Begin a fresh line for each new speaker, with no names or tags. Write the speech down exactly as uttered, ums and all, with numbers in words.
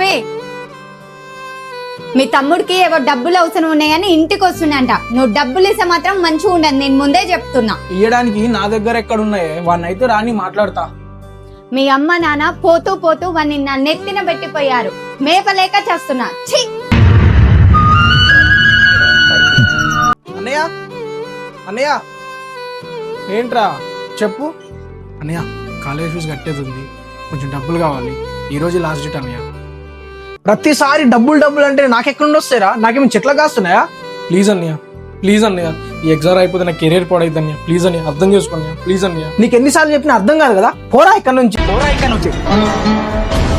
మీ తమ్ముడికి ఏవో డబ్బులు అవసరం ఉన్నాయని ఇంటికి వస్తున్నాయంట. నువ్వు డబ్బులు ఇస్తే మాత్రం మంచిగా ఉండదు, నేను ముందే చెప్తున్నా.
ఇయ్యడానికి నా దగ్గర ఎక్కడున్నాయే, వాడినైతే రాని మాట్లాడతా.
మీ అమ్మ నాన్న పోతూ పోతూ వాడిని నా నెత్తిన పెట్టిపోయారు, మేపలేక చేస్తున్నా. ఛీ!
అన్నయ్య అన్నయ్య ఏంట్రా చెప్పు.
అన్నయ్య కాలేజ్ ఫీజు కట్టేది ఉంది, కొంచెం డబ్బులు కావాలి. ఈ రోజు లాస్ట్ డేట్ అన్నయ్య.
ప్రతిసారి డబ్బులు డబ్బులు అంటే నాకెక్కడ వస్తాయిరా? నాకేమి చెట్ల కాస్తున్నాయా?
ప్లీజ్ అన్నయ్య, ప్లీజ్ అన్నయ్య, ఈ ఎగ్జామ్ అయిపోతే నా కెరీర్ పాడైద్ది అన్నయ్య. ప్లీజ్ అన్నయ్య, అర్థం చేసుకోండి ప్లీజ్ అన్నయ్య.
నీకు ఎన్నిసార్లు చెప్పినా అర్థం కాదు కదా. పోరా ఇక్కడ నుంచి, పోరా ఇక్కడ నుంచి.